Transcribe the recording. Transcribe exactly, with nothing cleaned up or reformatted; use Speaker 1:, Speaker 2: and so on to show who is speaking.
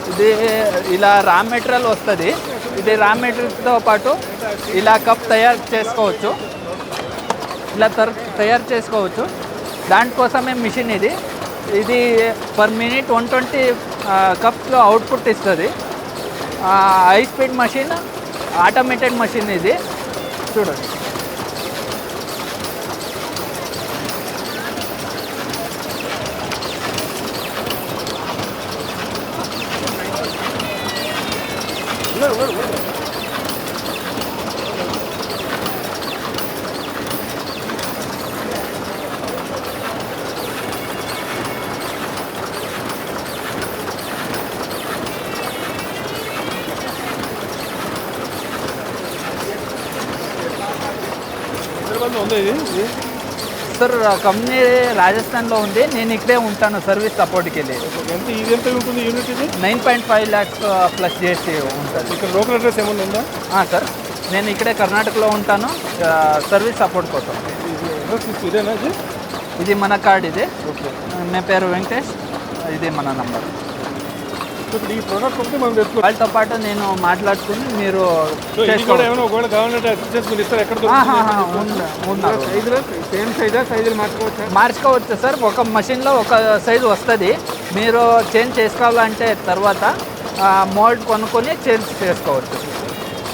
Speaker 1: ఇది ఇలా raw material వస్తుంది. ఇది రా మెటీరియల్తో పాటు ఇలా కప్ తయారు చేసుకోవచ్చు. ఇలా తర్ తయారు చేసుకోవచ్చు. దానికోసమే మిషన్ ఇది. ఇది పర్ మినిట్ వన్ ట్వంటీ కప్స్లో అవుట్పుట్ ఇస్తుంది. High speed machine, automated machine ఇది. చూడండి. సార్ కంపెనీ రాజస్థాన్లో ఉంది. నేను ఇక్కడే ఉంటాను సర్వీస్ సపోర్ట్కి వెళ్ళి.
Speaker 2: ఎంత ఇది ఎంత ఉంటుంది యూనిట్? ఇది
Speaker 1: nine point five lakhs plus చేసి ఉంటుంది.
Speaker 2: ఇక్కడ లోకల్ అడ్రస్ ఏమైనా ఉందా?
Speaker 1: సార్ నేను ఇక్కడే కర్ణాటకలో ఉంటాను సర్వీస్ సపోర్ట్ కోసం.
Speaker 2: ఇదేనా ఇది?
Speaker 1: ఇది మన కార్డ్. ఇది
Speaker 2: ఓకే.
Speaker 1: నా పేరు వెంకటేష్. ఇది మన నంబర్.
Speaker 2: ఇప్పుడు ఈ ప్రోడక్ట్ ఒకటి మనం తెచ్చుకో.
Speaker 1: వాళ్ళతో పాటు నేను మాట్లాడుకుని మీరు
Speaker 2: ఏమైనా ఒకవేళ కావాలంటే అసిస్టెన్స్ మీరు ఇస్తారు. ఎక్కడ సేమ్ సైజా సైజులు మార్చుకోవచ్చు?
Speaker 1: మార్చుకోవచ్చు సార్. ఒక మషిన్లో ఒక సైజు వస్తుంది. మీరు చేంజ్ చేసుకోవాలంటే తర్వాత మోల్డ్ కొనుక్కొని చేంజ్ చేసుకోవచ్చు.